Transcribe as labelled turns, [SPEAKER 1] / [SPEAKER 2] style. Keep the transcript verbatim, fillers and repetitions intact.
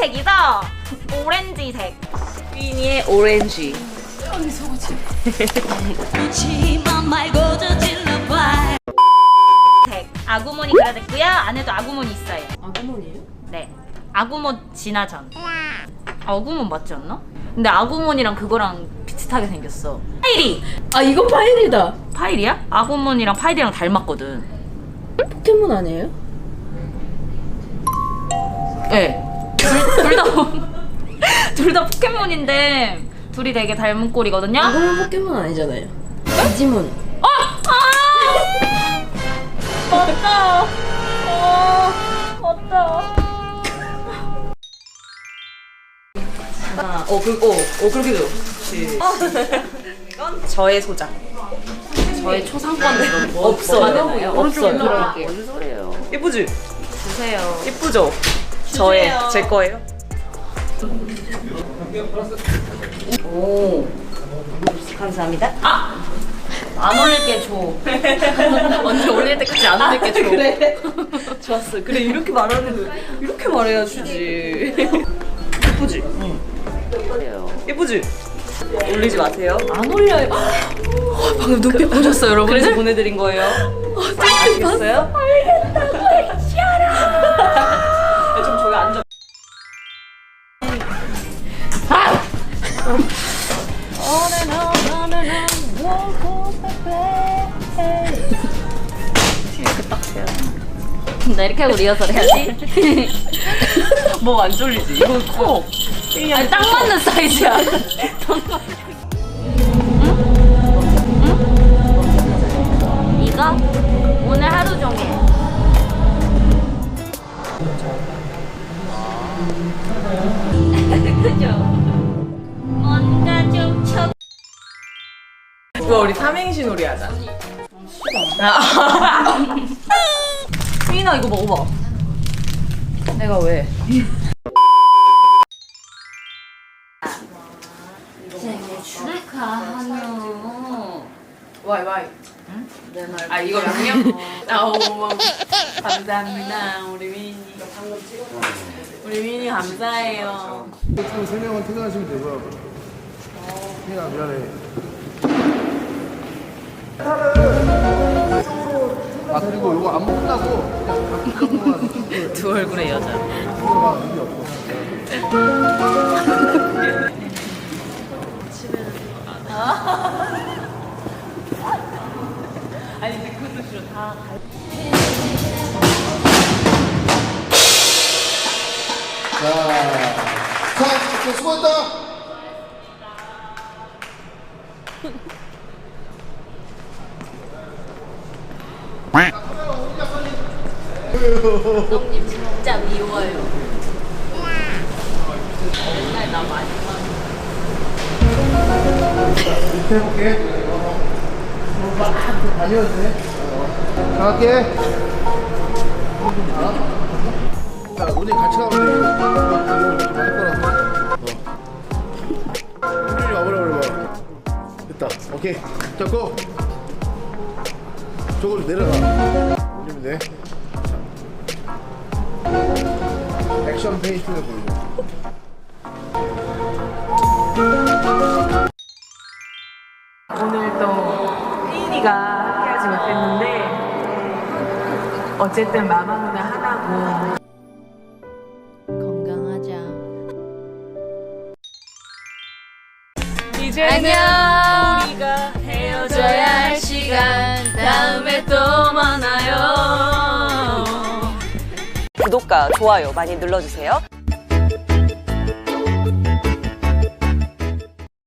[SPEAKER 1] 오렌지색이죠? 오렌지색.
[SPEAKER 2] 휘니의 오렌지.
[SPEAKER 3] 언니 속옷이.
[SPEAKER 1] 색. 아구몬이 그려졌고요. 안에도 아구몬이 있어요.
[SPEAKER 3] 아구몬이에요?
[SPEAKER 1] 네. 아구몬 진화전. 아구몬 맞지 않나? 근데 아구몬이랑 그거랑 비슷하게 생겼어. 파이리!
[SPEAKER 3] 아 이거 파일이다.
[SPEAKER 1] 파이리야? 아구몬이랑 파이리랑 닮았거든.
[SPEAKER 3] 포켓몬 아니에요?
[SPEAKER 1] 네. 둘 다 둘 다 포켓몬인데 둘이 되게 닮은 꼴이거든요.
[SPEAKER 3] 아구몬 포켓몬 아니잖아요. 디지몬.
[SPEAKER 1] 어! 아! 맞다. 어, 맞다.
[SPEAKER 2] 하나, 어, 그, 어, 어, 그렇게 돼요. 이건 저의 소장. 저의 초상권은 없어요. 없어요.
[SPEAKER 1] 무슨 소리예요?
[SPEAKER 2] 예쁘지?
[SPEAKER 1] 주세요.
[SPEAKER 2] 예쁘죠? 저의, 제 거예요. 오, 감사합니다.
[SPEAKER 1] 아! 안 올릴게 줘. 언니 올릴 때까지 안 올릴게 줘.
[SPEAKER 2] 그래. 좋았어. 그래, 이렇게 말하는 거, 이렇게 말해야 주지. 예쁘지? 응. 예쁘지? 올리지 마세요.
[SPEAKER 1] 안 올려요.
[SPEAKER 2] 방금 눈빛 보셨어요, 여러분? 그래서 보내드린 거예요. 알겠어요?
[SPEAKER 1] 알겠다고
[SPEAKER 2] 좀 저기 앉아.
[SPEAKER 1] 나 이렇게 하고 리허설 해야지.
[SPEAKER 2] 뭐 안 졸리지? 이거 커.
[SPEAKER 1] 아니 딱 맞는 사이즈야. 응? 이거 오늘 하루 종일. 그죠? 뭔가 좀 쳐.
[SPEAKER 2] 뭐야, 우리 삼행시 놀이 하자. 휘인아, 이거 먹어봐. 내가 왜?
[SPEAKER 1] 생일 축하하며.
[SPEAKER 2] 와이 와이.
[SPEAKER 1] 응? 내 말.
[SPEAKER 2] 아, 이거 양념? 아, 어머. 감사합니다. 우리 휘인이. 우리 휘인이 감사해요.
[SPEAKER 4] 총 세 명은 퇴근하시면 되고요. 휘인아 미안해. 아 그리고 이거 안무 끝나고 그냥
[SPEAKER 2] 두 얼굴의 여자.
[SPEAKER 4] 막 의미 없어.
[SPEAKER 2] 아니, 근데 그것도 싫어. 다.
[SPEAKER 4] 자, 자, 수고했다.
[SPEAKER 1] 형님 진짜 미워요. 맨날 나 많이
[SPEAKER 4] 이렇게 해볼게. 다녀도 돼. 나갈게. 자, 오늘 같이 가면 돼. 이거 좀 할 거라서. 어. 우리 와보라 그래봐. 됐다. 오케이. 잡고. 저걸 내려가. 올리면 돼. 액션 페이스를 보이고.
[SPEAKER 2] 오늘 또 휘인이가 함께하지 못했는데 어쨌든 마마무는 하나고
[SPEAKER 3] 건강하자.
[SPEAKER 2] 이제
[SPEAKER 3] 안녕.
[SPEAKER 2] 우리가
[SPEAKER 3] 헤어져야 할 시간 다음에 또 만나요.
[SPEAKER 2] 구독과 좋아요 많이 눌러주세요.